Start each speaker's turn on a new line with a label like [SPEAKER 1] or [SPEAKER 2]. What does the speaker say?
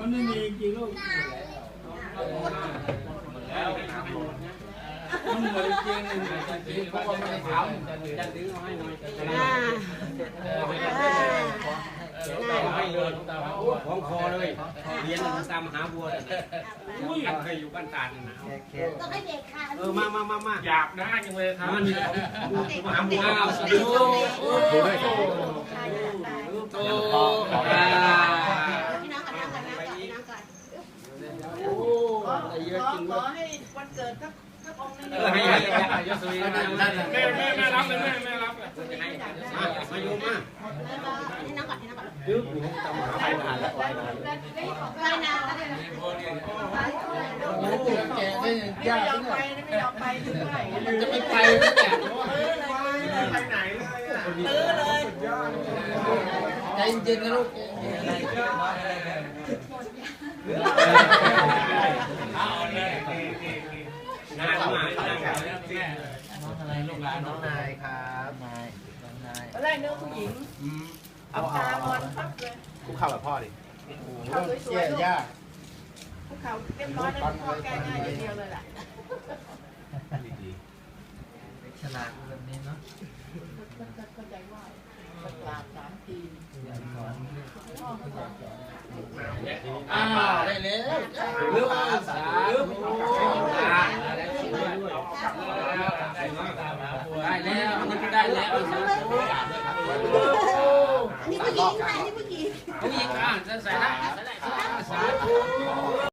[SPEAKER 1] มันไม่มีจริงลูกแล้วมันเหมือนจริงเพราะว่ามันจะถามจะดึงเอาให้หน่อยให้เลยของคอเลยเรียนตามหาบัวเคยอยู่บ้านตาดหนาว
[SPEAKER 2] ต้องให้เด็กค่ะ
[SPEAKER 1] มาอยากได้จังเลยครับมหาบัว
[SPEAKER 2] พี่น้องกันขอให้วันเกิดสักองค์นึง
[SPEAKER 1] ให้ยศวีแม่รับเลยแม่รับเลยมาโยมมา
[SPEAKER 2] ให้น้องก่อน
[SPEAKER 1] ยืมอยู่ตามหาใครผ่านแล้ว
[SPEAKER 2] ไปนาน
[SPEAKER 3] แกได้ยาก
[SPEAKER 2] ไม่ยอมไปด้วย
[SPEAKER 3] มันจะไม่ไปไม่แก
[SPEAKER 1] ไปไหน
[SPEAKER 2] เลย
[SPEAKER 3] ใจเย็นนะลูก
[SPEAKER 1] นายมา
[SPEAKER 3] น้องอะไรลูกหลานน้องนายครับนาย
[SPEAKER 2] อะไรเนื้อผู้หญิงเอาตามอนพับเลย
[SPEAKER 4] คุกเข่าแบบพ่อดิ
[SPEAKER 2] เขาสวย
[SPEAKER 3] ๆยาก
[SPEAKER 2] ภูเขาเรียบร้อยแล้วพ่อแก้ง่ายอย่างเดียวเลยแหละ
[SPEAKER 3] ฉลาดแบบนี้เนาะ
[SPEAKER 2] เข้าใจว่าปลา3 ที
[SPEAKER 3] ได้แล้ว
[SPEAKER 1] เรื่องสาเรื่องได้แล้วมันก็ได้แล้ว
[SPEAKER 2] อันนี้ผู้หญิงค่ะอันนี้ผู้หญิง
[SPEAKER 1] ผู้หญิงอ่ะจะใส่ได้สาธุ